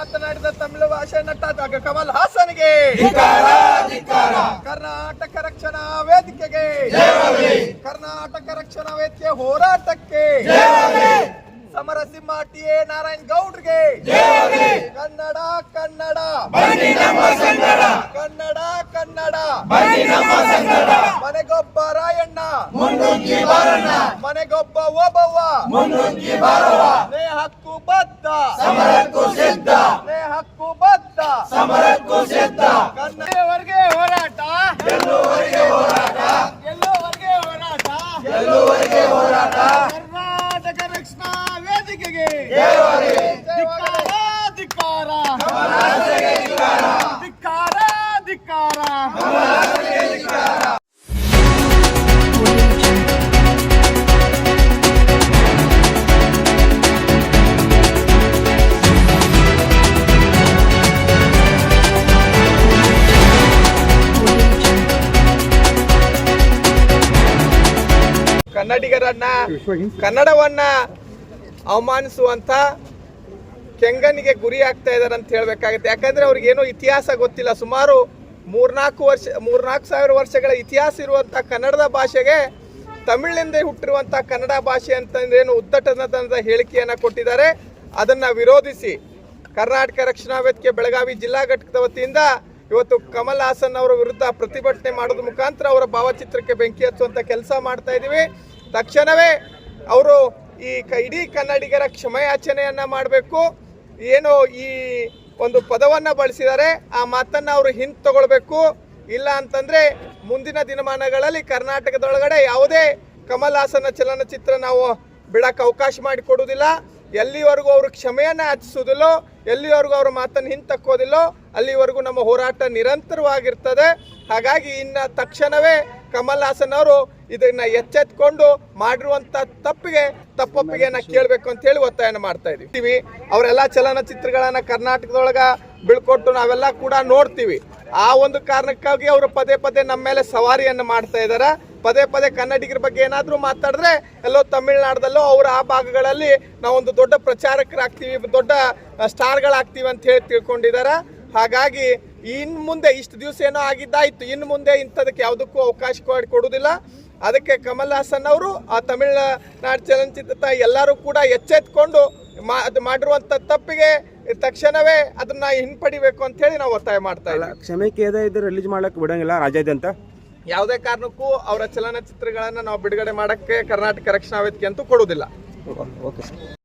ಮಾತನಾಡಿದ ತಮಿಳು ಭಾಷೆ ನಟ ಕಮಲ್ ಹಾಸನ್ಗೆ, ಕರ್ನಾಟಕ ರಕ್ಷಣಾ ವೇದಿಕೆಗೆ, ಕರ್ನಾಟಕ ರಕ್ಷಣಾ ವೇದಿಕೆ ಹೋರಾಟಕ್ಕೆ, ಸಮರಸಿಂಹ ಟಿ.ಎ. ನಾರಾಯಣ್ ಗೌಡ್ರಿಗೆ, ಕನ್ನಡ ಕನ್ನಡ ಕನ್ನಡ ಕನ್ನಡ ಮನೆಗೊಬ್ಬ ರಾಯಣ್ಣ, ಮನೆಗೊಬ್ಬ ಓಬವ್ವ, ನೇ ಹಕ್ಕು ಬದ್ಧ, ನೇ ಹಕ್ಕು ಬದ್ಧ, ಕನ್ನಡವರೆಗೆ ಹೋರಾಟ, ಗೆಲ್ಲುವರೆಗೆ ಹೋರಾಟ, ಕರ್ನಾಟಕ ರಕ್ಷಣಾ ವೇದಿಕೆಗೆ ಧಿಕ್ಕಾರ, ಧಿಕ್ಕಾರ, ಧಿಕ್ಕಾರ. ಕನ್ನಡಿಗರನ್ನ, ಕನ್ನಡವನ್ನ ಅವಮಾನಿಸುವಂತ ಕೆಂಗನಿಗೆ ಗುರಿ ಆಗ್ತಾ ಇದಾರೆ ಅಂತ ಹೇಳ್ಬೇಕಾಗುತ್ತೆ. ಯಾಕಂದ್ರೆ ಅವ್ರಿಗೇನೋ ಇತಿಹಾಸ ಗೊತ್ತಿಲ್ಲ. ಸುಮಾರು 3,000 ವರ್ಷಗಳ ಇತಿಹಾಸ ಇರುವಂತ ಕನ್ನಡದ ಭಾಷೆಗೆ ತಮಿಳಿನಿಂದ ಹುಟ್ಟಿರುವಂತ ಕನ್ನಡ ಭಾಷೆ ಅಂತಂದ್ರೇನು ಉದ್ದಟತನದ ಹೇಳಿಕೆಯನ್ನ ಕೊಟ್ಟಿದ್ದಾರೆ. ಅದನ್ನ ವಿರೋಧಿಸಿ ಕರ್ನಾಟಕ ರಕ್ಷಣಾ ವೇದಿಕೆ ಬೆಳಗಾವಿ ಜಿಲ್ಲಾ ಘಟಕದ ವತಿಯಿಂದ ಇವತ್ತು ಕಮಲ್ ಹಾಸನ್ ಅವರ ವಿರುದ್ಧ ಪ್ರತಿಭಟನೆ ಮಾಡೋದ್ರ ಮುಖಾಂತರ ಅವರ ಭಾವಚಿತ್ರಕ್ಕೆ ಬೆಂಕಿ ಹಚ್ಚುವಂತ ಕೆಲಸ ಮಾಡ್ತಾ ಇದೀವಿ. ತಕ್ಷಣವೇ ಅವರು ಈ ಇಡೀ ಕನ್ನಡಿಗರ ಕ್ಷಮೆಯಾಚನೆಯನ್ನ ಮಾಡಬೇಕು. ಏನು ಈ ಒಂದು ಪದವನ್ನ ಬಳಸಿದ್ದಾರೆ ಆ ಮಾತನ್ನ ಅವರು ಹಿಂತಗೊಳ್ಬೇಕು. ಇಲ್ಲ ಅಂತಂದ್ರೆ ಮುಂದಿನ ದಿನಮಾನಗಳಲ್ಲಿ ಕರ್ನಾಟಕದೊಳಗಡೆ ಯಾವುದೇ ಕಮಲ್ ಹಾಸನ್ ಚಲನಚಿತ್ರ ನಾವು ಬಿಡಕ್ಕೆ ಅವಕಾಶ ಮಾಡಿಕೊಡುವುದಿಲ್ಲ. ಎಲ್ಲಿವರೆಗೂ ಅವರು ಕ್ಷಮೆಯನ್ನ ಯಾಚಿಸುವುದಿಲ್ಲೋ, ಎಲ್ಲಿವರೆಗೂ ಅವರ ಮಾತನ್ನು ಹಿಂತಕ್ಕೋದಿಲ್ಲೋ ಅಲ್ಲಿವರೆಗೂ ನಮ್ಮ ಹೋರಾಟ ನಿರಂತರವಾಗಿರ್ತದೆ. ಹಾಗಾಗಿ ಇನ್ನು ತಕ್ಷಣವೇ ಕಮಲ್ ಹಾಸನ್ ಅವರು ಇದನ್ನ ಎಚ್ಚೆತ್ಕೊಂಡು ಮಾಡಿರುವಂತ ತಪ್ಪೊಪ್ಪಿಗೆನ ಕೇಳಬೇಕು ಅಂತ ಹೇಳಿ ಒತ್ತಾಯನ ಮಾಡ್ತಾ ಇದೀವಿ. ಅವರೆಲ್ಲ ಚಲನಚಿತ್ರಗಳನ್ನ ಕರ್ನಾಟಕದೊಳಗ ಬೀಳ್ಕೊಟ್ಟು ನಾವೆಲ್ಲ ಕೂಡ ನೋಡ್ತೀವಿ. ಆ ಒಂದು ಕಾರಣಕ್ಕಾಗಿ ಅವರು ಪದೇ ಪದೇ ನಮ್ಮ ಮೇಲೆ ಸವಾರಿಯನ್ನು ಮಾಡ್ತಾ ಇದ್ದಾರೆ. ಪದೇ ಪದೇ ಕನ್ನಡಿಗರ ಬಗ್ಗೆ ಏನಾದರೂ ಮಾತಾಡಿದ್ರೆ ಎಲ್ಲೋ ತಮಿಳುನಾಡದಲ್ಲೋ ಅವರ ಆ ಭಾಗಗಳಲ್ಲಿ ನಾವೊಂದು ದೊಡ್ಡ ಪ್ರಚಾರಕರಾಗ್ತೀವಿ, ದೊಡ್ಡ ಸ್ಟಾರ್ಗಳಾಗ್ತೀವಿ ಅಂತ ಹೇಳಿ ತಿಳ್ಕೊಂಡಿದ್ದಾರೆ. ಹಾಗಾಗಿ ಇನ್ನು ಮುಂದೆ ಇಷ್ಟು ದಿವಸ ಏನೋ ಆಗಿದ್ದಾಯ್ತು, ಇನ್ನು ಮುಂದೆ ಇಂಥದಕ್ಕೆ ಯಾವುದಕ್ಕೂ ಅವಕಾಶ ಕೊಡುವುದಿಲ್ಲ. ಅದಕ್ಕೆ ಕಮಲ್ ಹಾಸನ್ ಅವರು ಆ ತಮಿಳುನಾಡು ಚಲನಚಿತ್ರ ಎಲ್ಲರೂ ಕೂಡ ಎಚ್ಚೆತ್ಕೊಂಡು ಮಾಡಿರುವಂಥ ತಪ್ಪಿಗೆ ತಕ್ಷಣವೇ ಅದನ್ನ ಹಿಂಪಡಿಬೇಕು ಅಂತ ಹೇಳಿ ನಾವು ಒತ್ತಾಯ ಮಾಡ್ತಾ ಇದ್ದೀವಿ. ಕ್ಷಮೆ ಕೇದ ಇದ್ರೆ ರಿಲೀಸ್ ಮಾಡಕ್ಕೆ ಬಿಡಂಗಿಲ್ಲ ರಾಜ್ಯಾದ್ಯಂತ ಯಾವುದೇ ಕಾರಣಕ್ಕೂ ಅವರ ಚಲನಚಿತ್ರಗಳನ್ನ ನಾವು ಬಿಡುಗಡೆ ಮಾಡಕ್ಕೆ ಕರ್ನಾಟಕ ರಕ್ಷಣಾ ವೇದಿಕೆ ಅಂತೂ ಕೊಡುವುದಿಲ್ಲ. ಓಕೆ.